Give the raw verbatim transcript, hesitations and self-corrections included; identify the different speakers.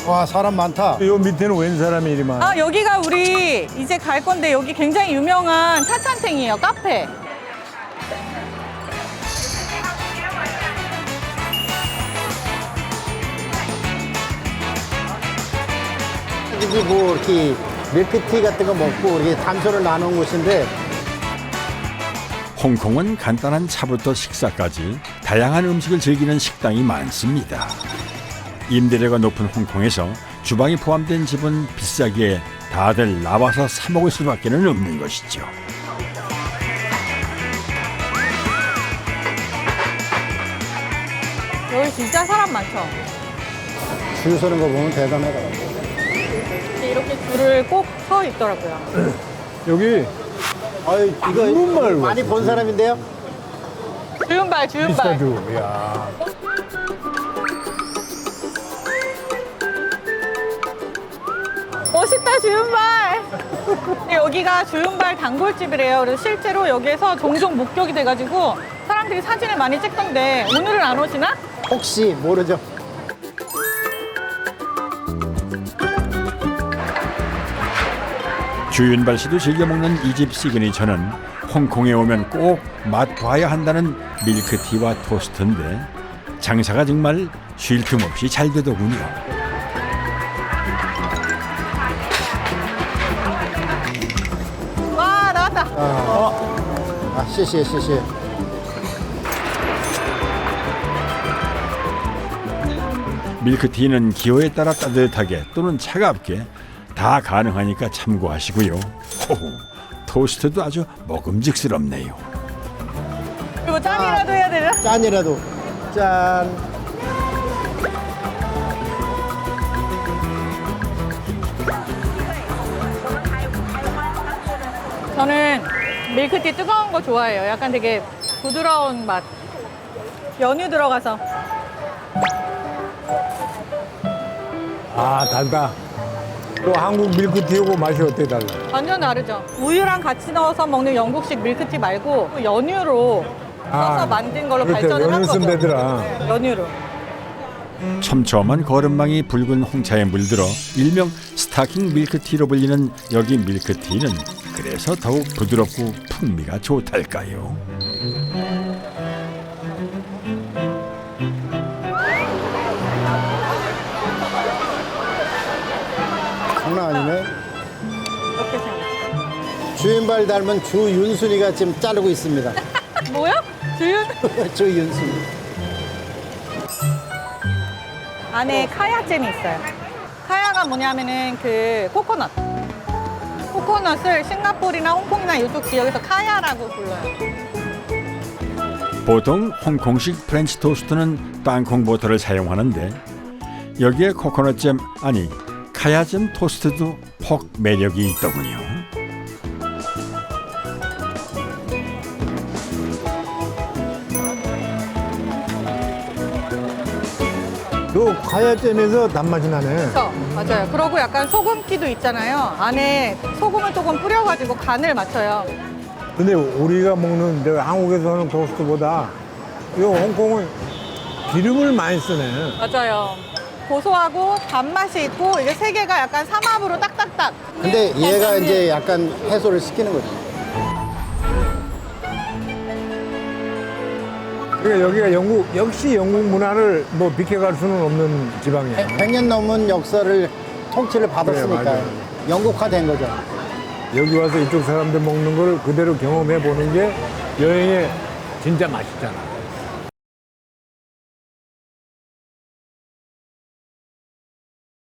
Speaker 1: 와, 사람 많다.
Speaker 2: 요 밑에는 웬 사람이 이리 많아?
Speaker 3: 아, 여기가 우리 이제 갈 건데 여기 굉장히 유명한 차찬탱이에요, 카페.
Speaker 1: 여기 뭐 이렇게 밀크티 같은 거 먹고 이렇게 담소를 나눈 곳인데
Speaker 4: 홍콩은 간단한 차부터 식사까지 다양한 음식을 즐기는 식당이 많습니다. 임대료가 높은 홍콩에서 주방이 포함된 집은 비싸기에 다들 나와서 사 먹을 수밖에 없는 것이죠.
Speaker 3: 여기 진짜 사람 많죠?
Speaker 1: 줄 서는 거 보면 대단하다.
Speaker 3: 이렇게 줄을 꼭 서 있더라고요.
Speaker 2: 여기
Speaker 1: 아유, 이거
Speaker 2: 한국말
Speaker 1: 많이 본 사람인데요?
Speaker 3: 주윤발, 주윤발.
Speaker 2: 비싸죠. 야.
Speaker 3: 멋있다, 주윤발. 여기가 주윤발 단골집이래요. 그래서 실제로 여기에서 종종 목격이 돼가지고 사람들이 사진을 많이 찍던데 오늘은 안 오시나?
Speaker 1: 혹시 모르죠?
Speaker 4: 주윤발 씨도 즐겨 먹는 이 집 시그니처는 홍콩에 오면 꼭 맛봐야 한다는 밀크티와 토스트인데 장사가 정말 쉴 틈 없이 잘 되더군요.
Speaker 3: 와, 나왔다.
Speaker 1: 아, 시시, 시시.
Speaker 4: 밀크티는 기호에 따라 따뜻하게 또는 차갑게 다 가능하니까 참고하시고요. 호호, 토스트도 아주 먹음직스럽네요.
Speaker 3: 이거 짠이라도 해야 되나?
Speaker 1: 짠이라도. 짠.
Speaker 3: 저는 밀크티 뜨거운 거 좋아해요. 약간 되게 부드러운 맛. 연유 들어가서.
Speaker 2: 아, 달다. 또 한국 밀크티하고 맛이 어때 달라?
Speaker 3: 완전 다르죠. 우유랑 같이 넣어서 먹는 영국식 밀크티 말고 연유로 써서 만든 걸로
Speaker 2: 그렇대.
Speaker 3: 발전을 한
Speaker 2: 연유
Speaker 3: 거죠.
Speaker 2: 쓰면 되더라.
Speaker 3: 네, 연유로.
Speaker 4: 촘촘한 거름망이 붉은 홍차에 물들어 일명 스타킹 밀크티로 불리는 여기 밀크티는 그래서 더욱 부드럽고 풍미가 좋달까요.
Speaker 1: 장난 아니네.
Speaker 3: 이렇게 생겼어요.
Speaker 1: 주인발 닮은 주윤순이가 지금 자르고 있습니다.
Speaker 3: 뭐요? 주윤?
Speaker 1: 주윤순이.
Speaker 3: 안에 카야잼이 있어요. 카야가 뭐냐면은 그 코코넛. 코코넛을 싱가포르나 홍콩이나 이쪽 지역에서 카야라고 불러요.
Speaker 4: 보통 홍콩식 프렌치 토스트는 땅콩 버터를 사용하는데 여기에 코코넛잼 아니 카야잼 토스트도 폭 매력이 있더군요.
Speaker 2: 요 과야잼에서 단맛이 나네.
Speaker 3: 그렇죠? 맞아요. 그러고 약간 소금기도 있잖아요. 안에 소금을 조금 뿌려가지고 간을 맞춰요.
Speaker 2: 근데 우리가 먹는 내가 한국에서 하는 토스트보다 요 홍콩은 기름을 많이 쓰네.
Speaker 3: 맞아요. 고소하고 단맛이 있고 이게 세 개가 약간 삼합으로 딱딱딱.
Speaker 1: 근데 얘가 이제 약간 해소를 시키는 거지.
Speaker 2: 그러니까 여기가 영국 역시 영국 문화를 뭐 비켜갈 수는 없는 지방이야.
Speaker 1: 백 년 넘은 역사를 통치를
Speaker 2: 그래,
Speaker 1: 받았으니까
Speaker 2: 맞아요.
Speaker 1: 영국화된 거죠.
Speaker 2: 여기 와서 이쪽 사람들 먹는 걸 그대로 경험해 보는 게 여행의 진짜 맛있잖아.